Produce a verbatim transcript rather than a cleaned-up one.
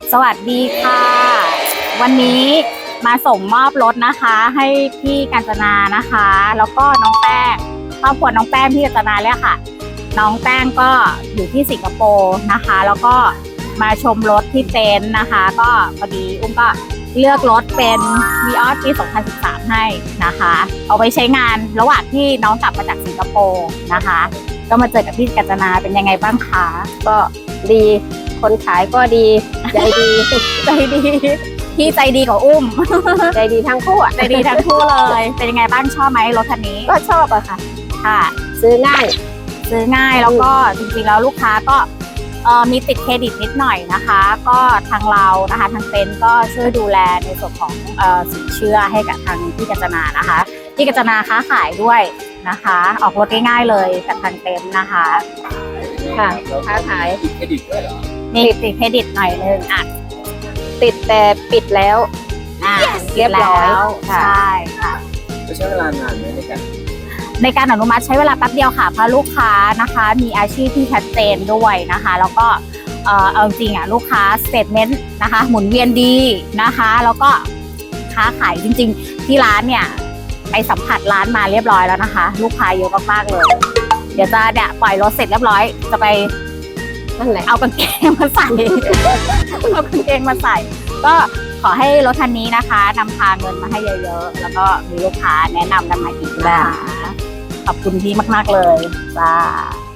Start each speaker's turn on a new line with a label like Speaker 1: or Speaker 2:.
Speaker 1: สวัสดีค่ะ วันนี้มาส่งมอบรถนะคะให้พี่กาญจนานะคะ แล้วก็น้องแป้งครอบครัวน้องแป้งพี่กาญจนาเลยค่ะน้องแป้งก็อยู่ที่สิงคโปร์นะคะ แล้วก็มาชมรถที่เต็นท์นะคะ ก็พอดีอุ้มก็เลือกรถเป็นวีออสปีสองพันสิบสามให้นะคะ เอาไปใช้งานระหว่างที่น้องกลับมาจากสิงคโปร์นะคะ ก็มาเจอกับพี่กาญจนาเป็นยังไงบ้างคะ
Speaker 2: ก็ดีคนขายก็ดีใจดี
Speaker 1: ใจดีพี่ใจดีกว่าอุ้ม
Speaker 2: ใจดีทั้งคู่อ่ะ
Speaker 1: ใจดีทั้งคู่เลย เป็นยังไงบ้างชอบไหมรถคันนี้
Speaker 2: ก็ชอบอะค่ะ
Speaker 1: ค่ะ
Speaker 2: ซื้อง่าย
Speaker 1: ซื้อง่ายแล้วก็จริงๆแล้วลูกค้าก็เอ่อมีติดเครดิตนิดหน่อยนะคะ ก็ทางเรานะคะทางเต็นท์ก็ช่วยดูแลในส่วนของเอ่อสินเชื่อให้กับทางพี่กาญจนานะคะพี่กาญจนาค้าขายด้วยนะคะ ออกรถง่ายๆเลยกับทางเต็นท์นะคะ
Speaker 2: ค่ะค้าขาย
Speaker 3: ติดเครดิตด้วยเหรอ
Speaker 1: มีติดเครดิตหน่อยนึงอ่ะ
Speaker 2: ติดแต่ปิดแล้ว
Speaker 1: อ่า
Speaker 2: เรียบร้อย
Speaker 1: ใช่ค่ะ
Speaker 3: จะใช้เวลานานไหมในการ
Speaker 1: ในการอนุมัติใช้เวลาแป๊บเดียวค่ะเพราะลูกค้านะคะมีอาชีพที่ชัดเจนด้วยนะคะแล้วก็เออเอาจริงอ่ะลูกค้าสเตทเมนต์นะคะหมุนเวียนดีนะคะแล้วก็ค้าขายจริงๆที่ร้านเนี่ยไปสัมผัสร้านมาเรียบร้อยแล้วนะคะลูกค้าเยอะมากๆเลยเดี๋ยวจะเนี่ยปล่อยรถเสร็จเรียบร้อยจะไป
Speaker 2: นั่นแหละ
Speaker 1: เอากางเกงมาใส่ เอากางเกงมาใส่ก็ขอให้รถคันนี้นะคะนำพาเงินมาให้เยอะๆแล้วก็มีลูกค้าแนะนำกันมาอีกนะคะขอบคุณพี่มากๆเลยจ้า